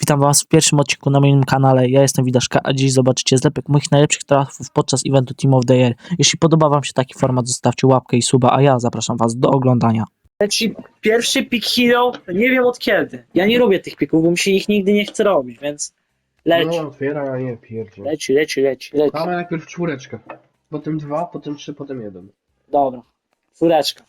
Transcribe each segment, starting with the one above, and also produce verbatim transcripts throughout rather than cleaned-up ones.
Witam was w pierwszym odcinku na moim kanale. Ja jestem Widaszka, a dziś zobaczycie zlepek moich najlepszych trafów podczas eventu Team of the Year. Jeśli podoba wam się taki format, zostawcie łapkę i suba, a ja zapraszam was do oglądania. Leci pierwszy pick hero, nie wiem od kiedy. Ja nie robię tych pików, bo mi się ich nigdy nie chce robić, więc leci, No otwiera, a nie pierdzie. leci, leci, leci, leci. Mamy najpierw czwóreczkę. Potem dwa, potem trzy, potem jeden. Dobra, czwóreczka.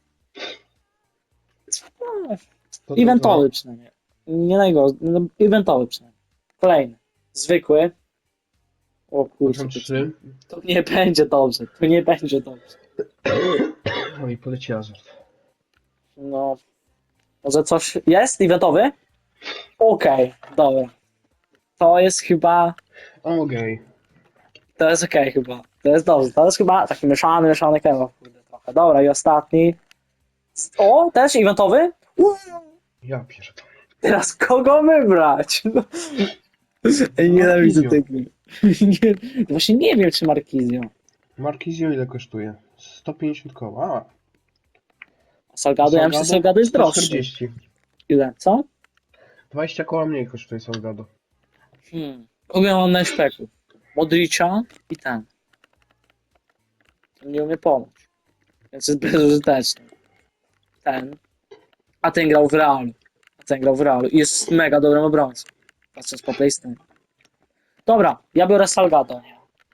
No, Potem eventowy przynajmniej. Nie najgorzej, no, eventowy przynajmniej. Kolejny, zwykły. O dwa, kurczę, Potem to, trzy. to nie będzie dobrze, to nie będzie dobrze. No i poleci azort. No, może coś jest eventowy? Okej, dobra. To jest chyba... Okej. To jest okej chyba. To jest dobrze. To jest chyba taki mieszany, mieszany kebab. Kurde, trochę. Dobra, i ostatni. O, też eventowy? Uuu, Ja pierdolę. teraz kogo wybrać? No. Ej, nienawidzę Markizio. tego. Nie, właśnie nie wiem, czy Markizio. Markizio ile kosztuje? sto pięćdziesiąt koła. A, Salgado, ja myślę, że Salgado jest sto droższy. czterdzieści. Ile, co? dwadzieścia koła mniej kosztuje Salgado. Hmm. Kogo ja mam na szpeku? Modricza i ten. Ten nie umie pomóc. Więc jest bezużyteczny. Ten. A ten grał w Realu. A ten grał w Realu. I jest mega dobrym obrońcą. Patrząc po PlayStation. Dobra, ja biorę Salgado.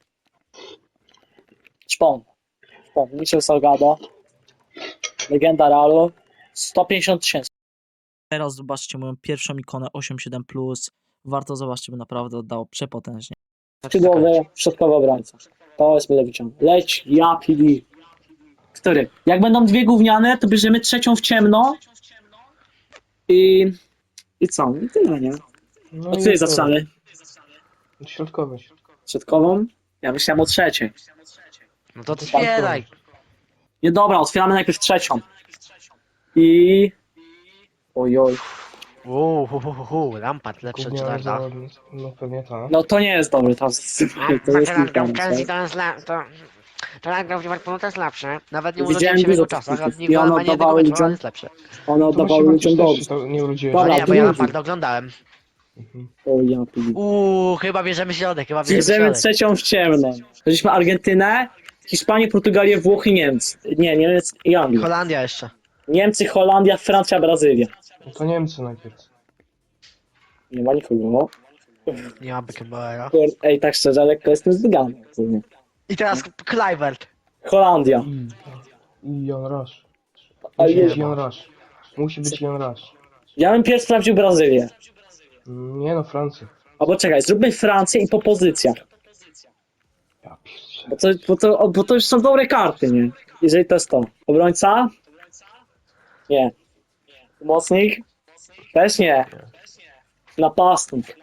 Szpon. Szpon. Michel Salgado. Legenda Realu. sto pięćdziesiąt tysięcy. Teraz zobaczcie moją pierwszą ikonę osiem siedem plus. Warto zobaczyć, bo naprawdę oddało przepotężnie. Skrzydłowy, środkowy obrońca. To jest mile wyciągnięte. Leć, ja, P D. Który? Jak będą dwie gówniane, to bierzemy trzecią w ciemno. I... I co? I tyle, nie? No Od i której to- zaczynamy? Środkowy. Środkową? Ja myślałem o trzeciej. No to otwieraj. Nie, dobra, otwieramy najpierw trzecią. I... Ojoj. Uuu, hu, hu, hu, hu. Lampard lepszy od Gówniany Gerarda. zawodnik. No pewnie tak. No to nie jest dobry teraz. To jest Gerard grał w kilka, Chelsea, tak? to jest le... to... Gerard grał w Liverpoolu, to jest lepszy. Nawet nie Widziałem urodziłem się w jego dużo czasach, takich a i on nie ma nie jednego oddawał meczu, ludziom- ale jest lepszy. One To oddawały właśnie ludziom Bartosz też dobrze. się to nie urodziłeś. Dobra, A nie, bo drugi. ja Lamparda oglądałem. Mhm. O ja pili. Uuu, chyba bierzemy środek, chyba bierzemy Bierzemy środek. trzecią w ciemno. Weźmy Argentynę, Hiszpanię, Portugalię, Włochy, Niemcy. Nie, Niemiec i Anglię. Holandia jeszcze. Niemcy, Holandia, Francja, Brazylia. No to Niemcy najpierw. Nie ma nikogo. Nie ma Beckenbauera. Kur- Ej, tak szczerze, lekko jestem zdygany. I teraz Kluivert. Holandia. I Jon Rush. Ale Musi nie, być Jon Rush. Musi być Jon Rush. ja bym pierwszy sprawdził Brazylię. Nie no, Francja. Albo czekaj, zróbmy Francję i po pozycjach. Ja pierdzielę. Bo to, bo, to, bo to już są dobre karty, nie? Jeżeli to jest to. Obrońca? Nie. Pomocnik? Też nie. Napastnik.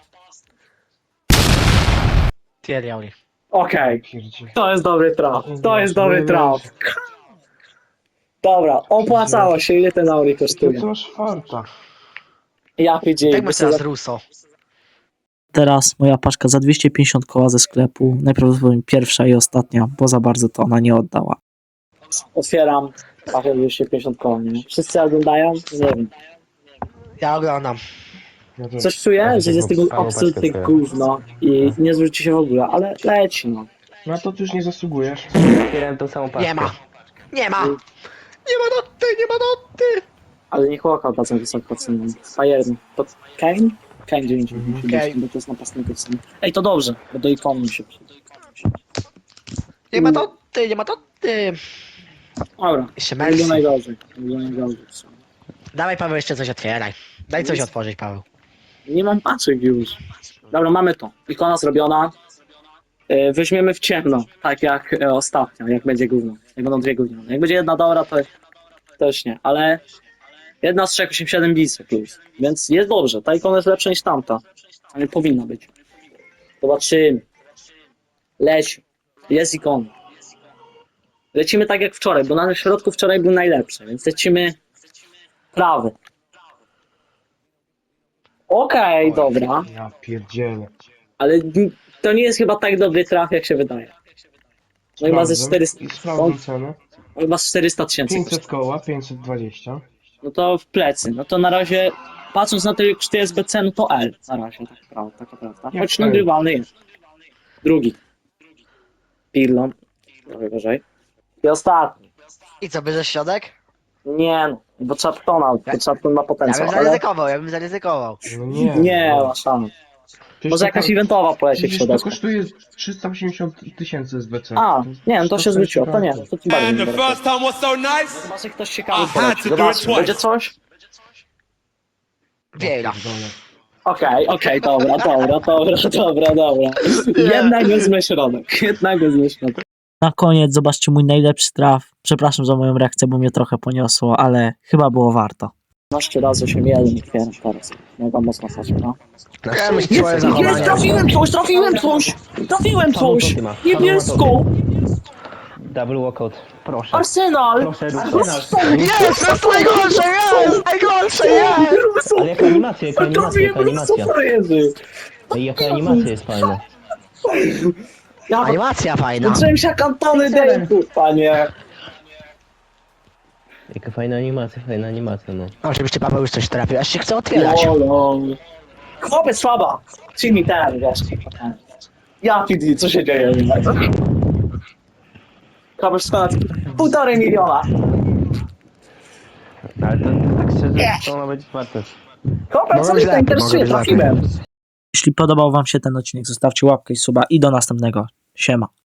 Thierry Henry. Okej. Pierdzielę. To jest dobry traf. To jest dobry Nie traf. wierzę. Dobra, opłacało się. Ile ten Auri Jakiego kosztuje? ty masz farta? Ja P G. Tak masz teraz Russo. Teraz moja paczka za dwieście pięćdziesiąt koła ze sklepu. Najprawdopodobniej pierwsza i ostatnia, bo za bardzo to ona nie oddała. Otwieram. Patrzę dwieście pięćdziesiąt koła, nie? Wszyscy oglądają? Nie wiem. Ja oglądam. Ja też. Coś czuję, że jest tego Samą absolutnie paczkę sobie. gówno i nie zwróci się w ogóle, ale leci, no. Na to ty już nie zasługujesz. Otwierałem tą samą paczkę. Nie ma. Nie ma. Nie ma doty, nie ma doty. Ale nie chłopaka bardzo wysoko cenią. Fajerny. To Kane? Kane dziewięć Mhm. musi być, bo to jest napastników ceny. Ej, to dobrze, bo do ikonu mi się przyda. Nie ma doty, nie ma doty. Dobra, Jeszcze nie było Messi. najgorzej. Nie było najgorzej. Dawaj Paweł, jeszcze coś otwieraj. Daj coś otworzyć, Paweł. Nie mam paczek już. Dobra, mamy to. Ikona zrobiona. E, Weźmiemy w ciemno, tak jak e, ostatnio, jak będzie gówno. Jak będą dwie gówniane. Jak będzie jedna dobra, to też nie, ale jedna z trzech osiem siedem bisy plus. Więc jest dobrze. Ta ikona jest lepsza niż tamta. A nie powinna być. Zobaczymy. Leci. Jest ikona. Lecimy tak jak wczoraj, bo na środku wczoraj był najlepszy, więc lecimy prawy. Okej, dobra. Ja pierdzielę. Ale to nie jest chyba tak dobry traf, jak się wydaje. No i ma ze Sprawdzę. czterysta. I sprawdzam cenę. On ma czterysta tysięcy. pięćset koła, pięćset dwadzieścia. No to w plecy. No to na razie patrząc na to, jak to jest B C, no to L na razie, tak prawda, taka prawda. Jak Choć L? nagrywalny jest. Drugi. Pirlon. Trochę wyżej. I ostatni. I co, bierzesz środek? Nie no, bo Chaptona, bo Chapton ma Ja potencjał, bym ale zaryzykował, ja bym zaryzykował. No nie. nie no. ma szans. Przecież Może to jakaś tam- eventowa poleci w Przecież to środku. kosztuje trzysta osiemdziesiąt tysięcy z B C. A, nie no to się zwróciło, to nie, warto. to tym bardziej And nie the będę. first time was so nice. Zobaczcie, ktoś ciekawy I had poleci, to do it zobaczmy, twice. będzie coś? Wiejla. Okej, okej, dobra, dobra, dobra, dobra, dobra. Jednak wezmę środek, jednak wezmę środek. Na koniec zobaczcie mój najlepszy traf. Przepraszam za moją reakcję, bo mnie trochę poniosło, ale chyba było warto. piętnaście razy się jeden otwieram teraz. Mega mocno stać, no. Ja myślę, twoje Jest, zachowanie. trafiłem coś, trafiłem coś! Trafiłem coś! Niebieską! Double walkout. Proszę. Arsenal! Proszę, Russo. Arsenal! Jest, to jest najgorsze, jest! Najgorsze, jest! Ale jaka animacja, jaka animacja, Trafiłem jaka animacja. Russo, frajerzy! Ej, jaka animacja jest fajna. Ja Animacja fajna. zacząłem się jak Antony Dejku, panie! Jaka fajna animacja, fajna animacja, no. Oczywiście Paweł już coś trafił, aż się chce otwierać. Jolo. Chłopiec słaba! Czyli mi ten, wiesz. ten. Ja P D, co się dzieje? Chłopiec skonać półtorej miliona. Ale to tak szczerze, to ona będzie warte. Chłopiec, Może co być mnie to lepiej, interesuje, może być trafiłem. Jeśli podobał wam się ten odcinek, zostawcie łapkę i suba i do następnego. Siema.